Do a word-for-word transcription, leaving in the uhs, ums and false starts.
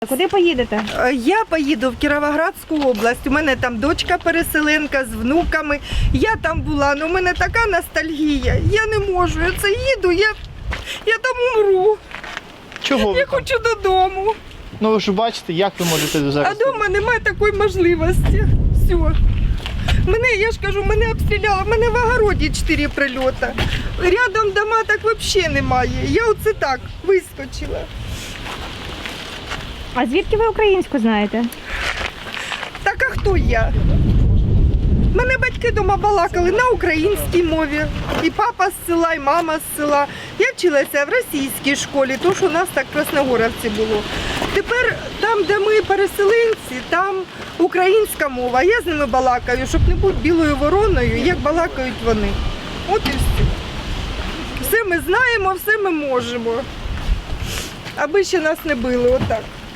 Куди поїдете? Я поїду в Кіровоградську область. У мене там дочка переселенка з внуками. Я там була, але у мене така ностальгія. Я не можу. Я це їду, я, я там умру. Чого ви Я там? хочу додому. Ну ви ж бачите, як ви можете зараз? А вдома немає такої можливості. Все. Мене, я ж кажу, мене обстріляли, мене в огороді чотири прильоти. Рядом дома так взагалі немає. Я оце так вискочила. А звідки ви українську знаєте? Так а хто я? Мене батьки вдома балакали на українській мові. І папа з села, і мама з села. Я вчилася в російській школі, тому що у нас так в Красногоровці було. Тепер там, де ми переселенці, там українська мова. Я з ними балакаю, щоб не бути білою вороною, як балакають вони. От і все. Все ми знаємо, все ми можемо. Аби ще нас не били, отак.